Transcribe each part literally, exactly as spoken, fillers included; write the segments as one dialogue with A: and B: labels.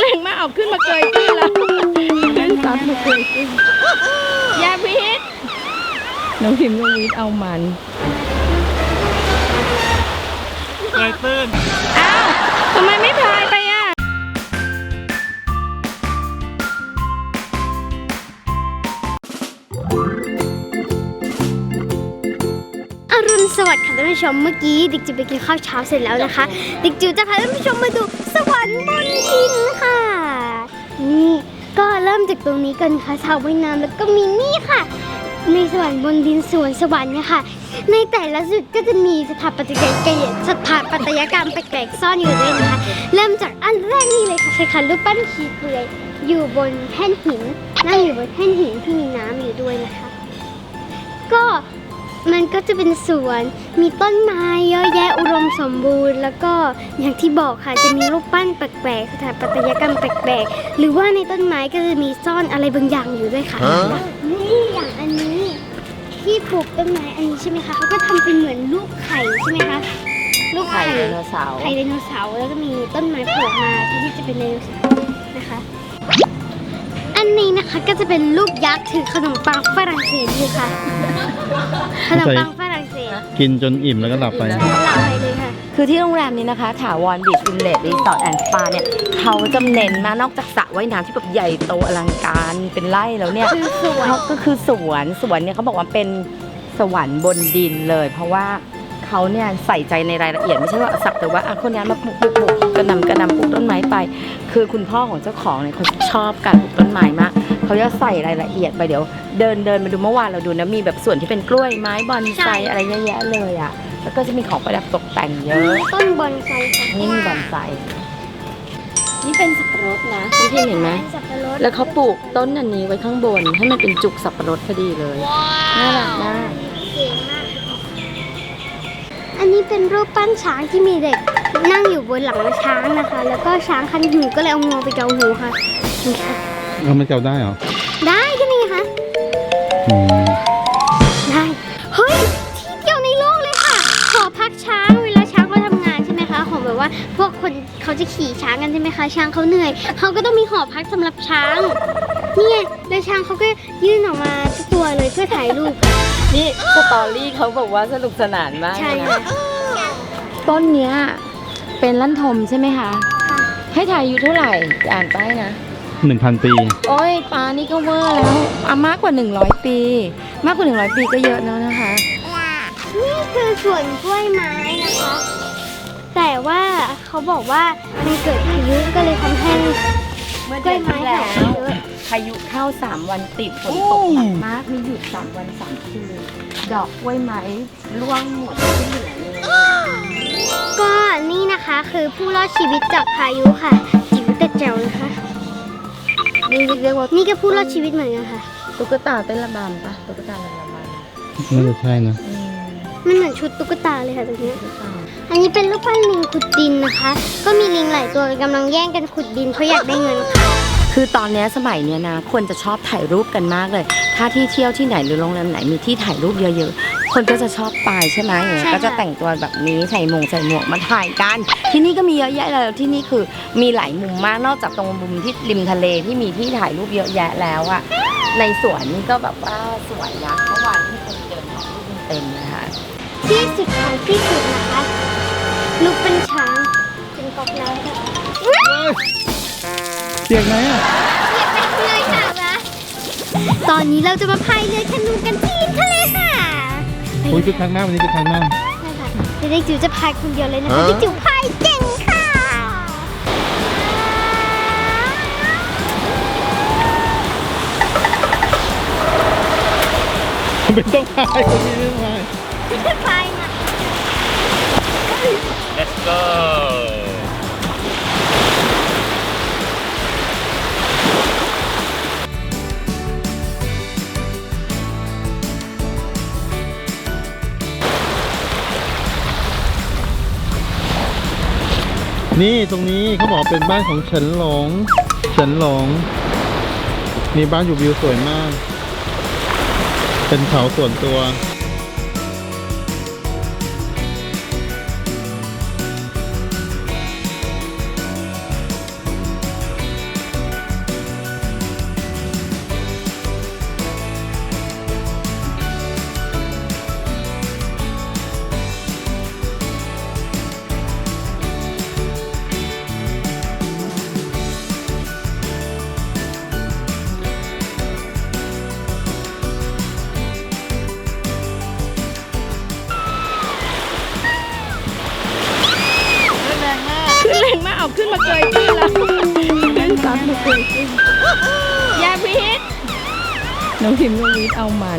A: รงมากเอาขึ้นมาเกยตื้นแล้วขึ้นซัดมาเกยตื้นยาพิษน้องพิมพ์น้องวิทย์เอามัน
B: เกยตื้น
A: อ้าวทำไมไม่พายไปอ่ะ
C: อรุณสวัสดิ์ค่ะท่านผู้ชมเมื่อกี้ดิกจิวไปกินข้าวเช้าเสร็จแล้วนะคะดิกจิวจะพาท่านผู้ชมมาดูสวรรค์บนดินค่ะนี่ก็เริ่มจากตรงนี้กันค่ะสระว่ายน้ำแล้วก็มีนี่ค่ะในสวรรค์บนดินสวนสวรรค์เนี่ยค่ะในแต่ละจุดก็จะมีสถาปัตยกรรมสถาปัตยกรรมแปลกๆซ่อนอยู่ด้วยนะคะเริ่มจากอันแรกนี่เลยค่ะใช่ค่ะรูปปั้นขีเปลือยอยู่บนแท่นหินนั่งอยู่บนแท่นหินที่มีน้ำอยู่ด้วยนะคะก็มันก็จะเป็นสวนมีต้นไม้เยอะแยะอุดมสมบูรณ์แล้วก็อย่างที่บอกค่ะจะมีรูปปั้นแปลกๆสถาปัตยกรรมแปลกๆหรือว่าในต้นไม้ก็จะมีซ่อนอะไรบางอย่างอยู่ด้วยค่ะนี่อย่างอันนี้ที่ปลูกต้นไม้อันนี้ใช่ไหมคะเขาก็ทำเป็นเหมือนลูกไข่ใช่ไหมคะลูกไข่ไดโนเสาร์ไข่ไดโนเสาร์แล้วก็มีต้นไม้โผล่มาที่จะเป็นไดโนเสาร์นะคะอันนี้นะคะก็จะเป็นลูกยักษ์ถือขนมปังฝรั่งเศสอยู่ค่ะขนมปังฝรั่งเศส
D: กินจนอิ่มแล้วก็หลับไป
C: หลับไปเลยค่ะ
A: คือที่โรงแรมนี้นะคะถาวรบีชวิลเลจรีสอร์ทแอนด์สปาเนี่ยเขาจะเน้นมานอกจากสระว่ายน้ำที่แบบใหญ่โตอลังการเป็นไร่แล้วเนี่ยเขาก็คือสวนสวนเนี่ยเขาบอกว่าเป็นสวรรค์บนดินเลยเพราะว่าเขาเนี่ยใส่ใจในรายละเอียดไม่ใช่ว่าสักแต่ว่าคนนี้มาปลูกปลูกปลูกกระนำกระนำปลูกต้นไม้ไปคือคุณพ่อของเจ้าของเนี่ยเขาชอบการปลูกต้นไม้มากเขาจะใส่รายละเอียดไปเดี๋ยวเดินเดินมาดูเมื่อวานเราดูนะมีแบบส่วนที่เป็นกล้วยไม้บอนไซอะไรเยอะแยะเลยอ่ะแล้วก็จะมีของประดับตกแต่งเยอะ
C: ต้นบอนไซค่ะ
A: นี่บอนไซนี่เป็นสับปะรดนะพี่พี่เห็นไหมแล้วเขาปลูกต้นอันนี้ไว้ข้างบนให้มันเป็นจุกสับปะรดพอดีเลยน่ารักมาก
C: เก่งมากอันนี้เป็นรูปปั้นช้างที่มีเด็กนั่งอยู่บนหลังช้างนะคะแล้วก็ช้างคันหูก็เลยเอางวงไปเกาหูค่ะนี่ค่ะ
D: เราไม่เกาได้เหรอ
C: ได้ใช่ไหมคะได้เฮ้ยที่เดียวในโลกเลยค่ะหอพักช้างเวลาช้างเขาทำงานใช่ไหมคะของแบบว่าพวกคนเขาจะขี่ช้างกันใช่ไหมคะช้างเขาเหนื่อยเขาก็ต้องมีหอพักสำหรับช้างนี่ไงแล้วช้างเขาก็ยื่นออกมาทุกตัวเลยเพื่อถ่ายรูป
A: นี่สตอรี่เขาบอกว่าสนุกสนานมาก
C: ใช่
A: นะต้นเนี้ยเป็นลั่นทมใช่ไหมคะให้ถ่ายอายุเท่าไหร่อ่านป้ายนะ
D: หนึ่งพันปี
A: โอ้ยปานี่ก็เวอร์แล้วอ่ะมากกว่าหนึ่งร้อยปีมากกว่าหนึ่งร้อยปีก็เยอะแล้วนะคะ
C: นี่คือสวนกล้วยไม้นะคะแต่ว่าเขาบอกว่ามันเกิดพายุก็เลยทำให้กล้วยไม้หายเยอะ
A: พายุเข้าสามวันติดฝนตกหนักมากมีหยุดสามวันสามคืนดอกกล้วยไม้ร่วงหมดที่เหลือเลย
C: ก็นี่นะคะคือผู้รอดชีวิตจากพายุค่ะจิ๋วแต่แจ๋วนะคะ
A: นี่เรียกว่า
C: นี่ก็ผู้รอดชีวิตเหมือนกันค่ะ
A: ตุ๊กตาเต้นระบำปะตุ๊กตาเต้นระบ
D: ำน่าจะใช่นะ
C: มันเหมือนชุดตุ๊กตาเลยค่ะตรงนี้อันนี้เป็นรูปปั้นลิงขุดดินนะคะก็มีลิงหลายตัวกำลังแย่งกันขุดดินเพราะอยากได้เงินค่ะ
A: คือตอนนี้สมัยเนี้ยนะคนจะชอบถ่ายรูปกันมากเลยถ้าที่เที่ยวที่ไหนหรือโรงแรมไหนมีที่ถ่ายรูปเยอะๆคนก็จะชอบไปใช่ไหมก็จะแต่งตัวแบบนี้ใส่หมวกใส่หมวกมาถ่ายกันที่นี่ก็มีเยอะแยะเลยที่นี่คือมีหลายมุมมากนอกจากตรงมุมที่ริมทะเลที่มีที่ถ่ายรูปเยอะแยะแล้วอะในสวนนี่ก็แบบว่าสวยนะเมื่อวานที่คนเดินถ่ายรูปเต็มนะคะ
C: ที่สุดของที่สุดนะคะลูกเป็นช้างเป็นกอกน้ำค่ะ
D: เปียกไหมอ่ะ
C: เปียกไปเลยค่ะนะตอนนี้เราจะมาพายเรือแคนูกันที่ริมทะเลค่ะ
D: โอ้ยคือครั้งหน้าวันนี้คือครั้งหน้า
C: ใช่ค่ะเด็กจิ๋วจะพายคนเดียวเลยนะคะเด็กจิ๋วพายเก่งค่ะ
D: ไม่ต้องพายคนนี้ไม่พาย
C: ไม่ต้องพายนะ
B: Let's go
D: นี่ตรงนี้เขาบอกเป็นบ้านของเฉินหลงเฉินหลงมีบ้านอยู่วิวสวยมากเป็นเขาส่วนตัว
A: เอาขึ้นมาเกยตื้นแล้วเล่นซับมาเกยตื้นยาพิษน้องพิมพ์ก็วิทย์เอามัน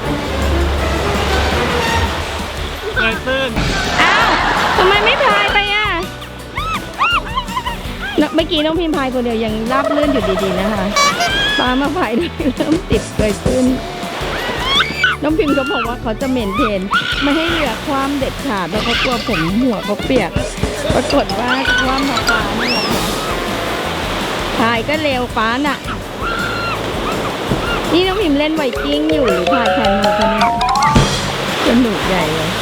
B: เกยตื้น
A: อ้าวทำไมไม่พายไปอ่ะเมื่อกี้น้องพิมพ์พายคนเดียวยังราบเลื่อนอยู่ดีๆนะคะปลามาพายด้วยเริ่มติดเกยตื้นน้องพิมพ์เขาบอกว่าเขาจะเมนเทนไม่ให้เรือคว่ำเด็ดขาดแล้วเขากลัวผมหัวเขาเปียกปรากฏว่าคว่ำมาปลานี่แหละค่ะพายก็เร็วป้าน่ะนี่น้องพิมพ์เล่นไวกิ้งอยู่หรือพายแคนูคะเนี่ยสนุกใหญ่เลย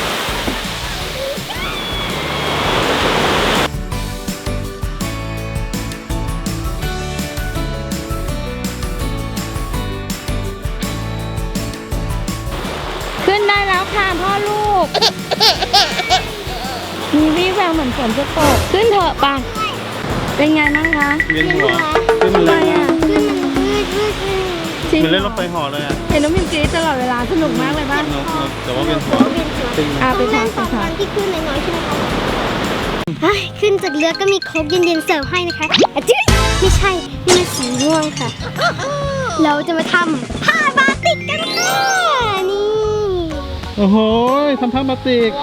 A: ขึ้นได้แล้วค่ะพ่อลูก มีวี่แววเหมือนฝนจะตก ขึ้นเถอะป่ะ เป็นไงบ้างคะ
B: เวียนหัวขึ้น
A: ทำไม
B: เลย
A: อ่ะ
C: ขึ้นมันวืดวืดวืด
A: จริง
B: เหมือนเล่นรถไฟเหอเลยอ่ะ
A: เห็นน้องพิมพ์กรี๊ดตลอดเวลาสนุกมากเลยป่ะ
B: นกนกแต่ว่าเวียนหัว
C: เป็นหัว
B: ตึง
A: อ่ะไป
C: ต้อง
A: พั
C: เล่
A: ก
C: น
A: ไป
C: ตอนต
A: พั
C: อก นที่ขึ้นน้อยๆใช่ไหมคะเฮ้ยขึ้นจากเรือก็มีโค้กเย็นๆเสิร์ฟให้นะคะอ่ะจิ๊ดไม่ใช่นี่มันสีม่วงค่ะ เราจะมาทำผ้าบาติกกันค่ะนี่
D: โอ้โหทำผ้าบาติก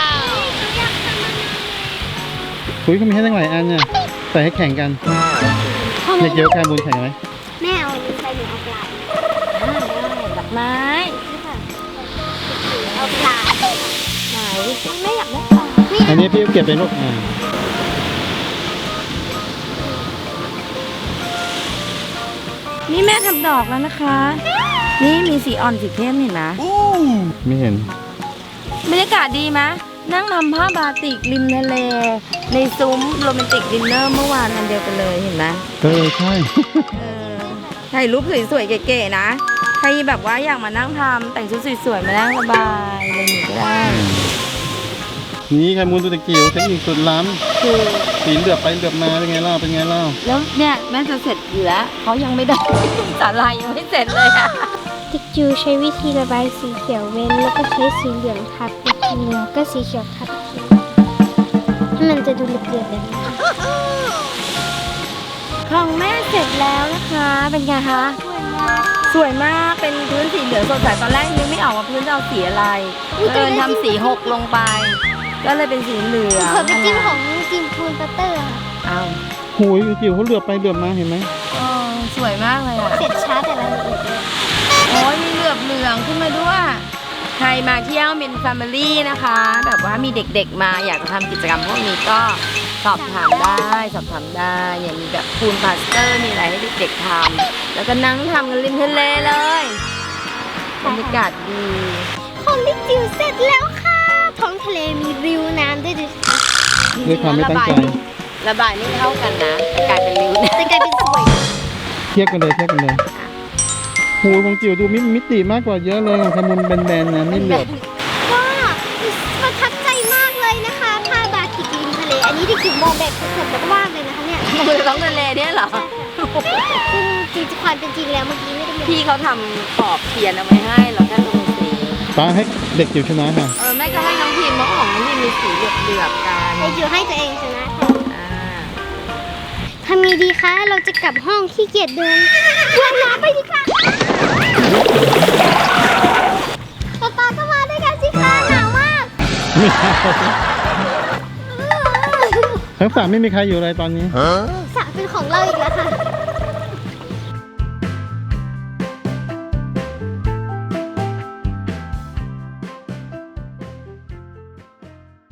D: คุยเขามีให้ตั้งหลายอันเนี่ยใส่ให้แข่งกันเด็กเยอะแคมูลแข่งกันไหม
C: แม่เอาอันนี้ใส่หนูเอาปลา
A: ดอกไม้
C: เอาปลา
A: ไหนไม่อยากได้ปลา
D: อันนี้พี่เก็บเป็นลูกอ่า
A: นี่แม่ทำดอกแล้วนะคะ นี่มีสีอ่อนสีเข้มเห็นไหม
D: ไม่เห็น
A: บรรยากาศดีไหมนั่งทำผ้าบาติกริมทะเล ในซุ้มโรแมนติกดินเนอร์เมื่อวานอันเดียวกันเลยเห็นไหม
D: เออใช่
A: เออถ่ายรูปสวยๆเก๋ๆนะ ใครแบบว่าอยากมานั่งทำแต่งชุดสวยๆมานั่งสบายอะไรอย่างงี้ก็ได้
D: นี่แคมูลตัวตะกิ้วเทคนิคสุดล้
A: คือ
D: ำสีเหลือบไปเหลือบมาเป็นไงเล่าเป็นไงเล่า
A: แล้วเนี่ยแม่จะเสร็จอยู่แล้วเขายังไม่ได้ สาลายยังไม่เสร็จเลยอะ
C: ติ๊กจูใช้วิธีระบายสีเขียวเว้นแล้วก็ใช้สีเหลืองทับอีกทีหนึงก็สีเขียวทับอีกทีให้มันจะดูเรียบๆแบบนี้
A: ของแม่เสร็จแล้วนะคะ เป็นไงคะ สวยมาก เป็นพื้นสีเหลืองสดใสตอนแรกนึกไม่ออกว่าพื้นจะเอาสีอะไรเดินทำสีหกลงไป ก็เลยเป็นสีเหลือง
C: เผื่อไปจิ้มของจิมพูนปัตเตอร์ค่ะ
A: เอา
D: โหยจิ๋วเขาเหลือบไปเหลือบมาเห็นไหม
A: เออสวยมากเลยอะ
C: เสร็จช้าแต่ละละเอียดเลย
A: โอ้ยมีเหลือบเหลืองขึ้นมาด้วย ใครมาเที่ยวเป็นแฟมิลี่นะคะ แบบว่ามีเด็กๆมาอยากจะทำกิจกรรมพวกนี้ก็สอบถามได้ สอบถามได้อย่างมีแบบพูลพาสเตอร์มีอะไรให้เด็กๆทำแล้วก็นั่งทำกันริมทะเลเลยบรรยากาศดี
C: ของติ๊กจิ๋วเสร็จแล้วค่ะ ท้องทะเลมีริวน้ำด้วยดูสิคะ
D: ด้วยความไม่ตั้งใจ
A: ระบายไม่เท่ากันนะกลายเป็นริ้วนะ
C: แต่กลายเป็นสวย
D: เทียบกันเลยเทียบกันเลยโหยของจิ๋วดูมิมิติมากกว่าเยอะเลยของแคมูลแบนๆนะนี่เหลือบ
C: ก็ประทับใจมากเลยนะคะผ้าบาติกริมทะเล อันนี้ติ๊กจิ๋วมองแบบสดๆแบบว่างเลยนะคะเนี่ย
A: มือท้องทะเลเนี่ยเหรอ
C: ซึ่งจริงๆความเป็นจริงแล้วเมื่อกี้ไม่ได้มี
A: พี่เขาทำขอบเทียนเอาไว้ให้เราแค่ลงสี
D: ป้าให้เด็กจิ๋วชนะค่ะ
A: เออแม่ก็ให้น้องพิมพ์เพราะของน้องพิมพ์มีสีเหลือบๆกัน
C: ไอจิ๋วให้ตัวเองชนะค่ะ
A: อ่า
C: ทำไงดีคะ เราจะกลับห้องขี้เกียจเดินว่ายน้ำไปดีค่ะป๊าป๊าก็มาด้วยกันสิคะหนาวมาก
D: ไม่เอาทั้งสามไม่มีใครอยู่เลยตอนนี้
C: สระเป็นของเราอีกแล้วค่ะ